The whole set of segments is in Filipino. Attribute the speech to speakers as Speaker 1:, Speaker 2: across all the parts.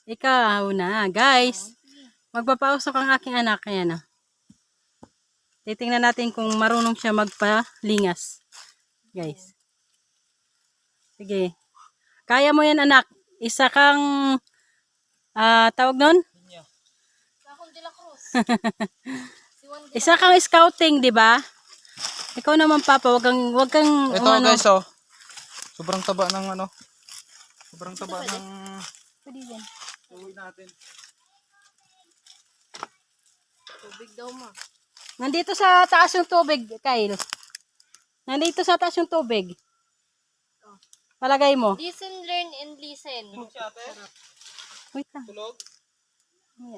Speaker 1: Ikaw na, guys. Magpapausok ang aking anak. Ayan, oh. Titingnan natin kung marunong siya magpalingas. Guys. Sige. Kaya mo yan, anak. Isa kang tawag nun? Isa kang scouting, di ba? Ikaw naman, Papa, wag kang
Speaker 2: ito
Speaker 1: ano.
Speaker 2: Guys, oh. Sobrang taba ng ano. Sobrang taba ng uwi natin.
Speaker 3: Tubig daw mo.
Speaker 1: Nandito sa taas yung tubig, Kyle. Nandito sa taas yung tubig. Palagay mo.
Speaker 3: Listen, learn, and listen.
Speaker 2: Tulog si ate?
Speaker 1: Wait lang.
Speaker 2: Tulog?
Speaker 1: Yeah.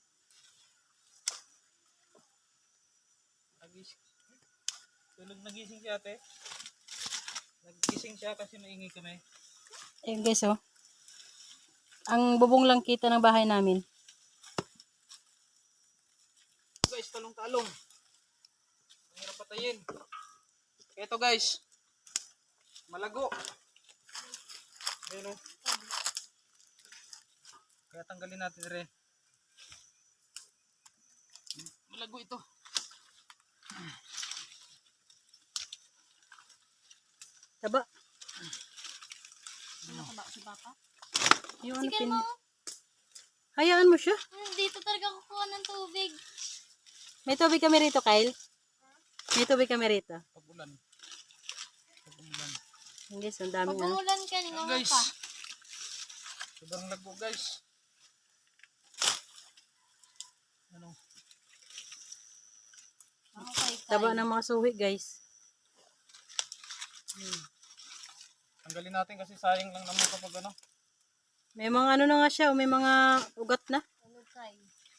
Speaker 2: Tulog, nagising si ate? Nagising siya kasi maingay kami.
Speaker 1: Ayun guys, oh. Ang bubong lang kita ng bahay namin.
Speaker 2: Guys, talong-talong. Ang hirap patayin. Ito guys. Malago. Ayan, oh. Kaya tanggalin natin rin. Malago ito.
Speaker 1: Taba.
Speaker 3: Si Papa?
Speaker 1: Yung ano
Speaker 3: Sige
Speaker 1: pin...
Speaker 3: mo.
Speaker 1: Hayaan mo siya.
Speaker 3: Dito talaga kukuha ng tubig.
Speaker 1: May tubig kami rito, Kyle. May tubig kami rito.
Speaker 2: Pag-ulan. Pag-ulan.
Speaker 1: Guys, ang dami
Speaker 3: Pag
Speaker 1: ano.
Speaker 3: umulan kanina nga
Speaker 2: Guys.
Speaker 3: pa.
Speaker 2: Sobrang lago guys. Ano?
Speaker 3: Okay,
Speaker 1: Taba ng mga suhi, guys.
Speaker 2: Tanggalin natin kasi sayang lang naman kapag ano.
Speaker 1: May mga ano na nga siya, may mga ugat na.
Speaker 3: Ano kay?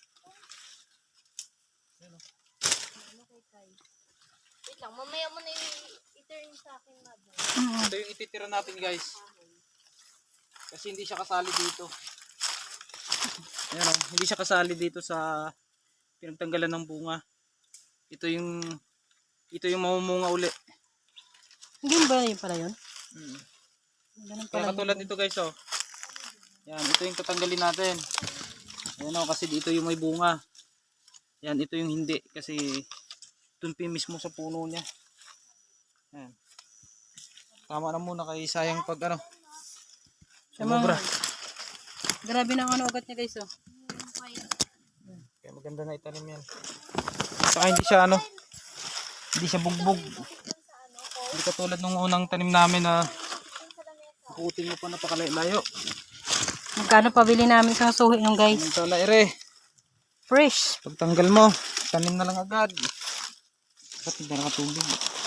Speaker 2: Ano?
Speaker 3: Ano kay Kai? Wait lang, mamaya mo na i-turn sa akin, mother.
Speaker 2: Ito yung ititira natin guys. Kasi hindi siya kasali dito. Ayan, oh, hindi siya kasali dito sa pinagtanggalan ng bunga. Ito yung mamumunga uli.
Speaker 1: Hindi ba yun pala yun? Ganun
Speaker 2: Kaya
Speaker 1: pala
Speaker 2: katulad
Speaker 1: yun.
Speaker 2: nito guys, oh. Yan, ito yung tatanggalin natin. Ayan, oh, kasi dito yung may bunga. Yan, ito yung hindi kasi tumpi mismo sa puno niya. Yan. Tama na muna kay sayang pag ano. Sumobra.
Speaker 1: Grabe na ang ano ugat niya, guys, oh.
Speaker 2: Kaya maganda na itanim yan. Saka hindi siya ano, hindi siya bugbog. Hindi katulad nung unang tanim namin na putin mo pa napakalayo.
Speaker 1: Magkano pabili namin sa suhi nung, guys?
Speaker 2: Samantala ere,
Speaker 1: Fresh.
Speaker 2: pagtanggal mo, tanim na lang agad. Ba't hindi nakatubig?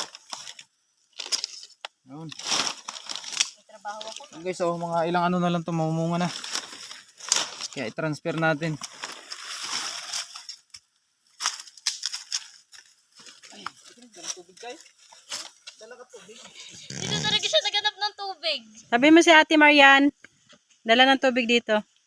Speaker 2: Yun. Yun guys, oh, mga ilang ano na lang ito, mamumunga na. Kaya i-transfer natin. Ay, dala tubig guys. Dala ka tubig.
Speaker 3: Dito talaga siya naganap ng tubig.
Speaker 1: Sabi mo si Ate Marian, dala ng tubig dito.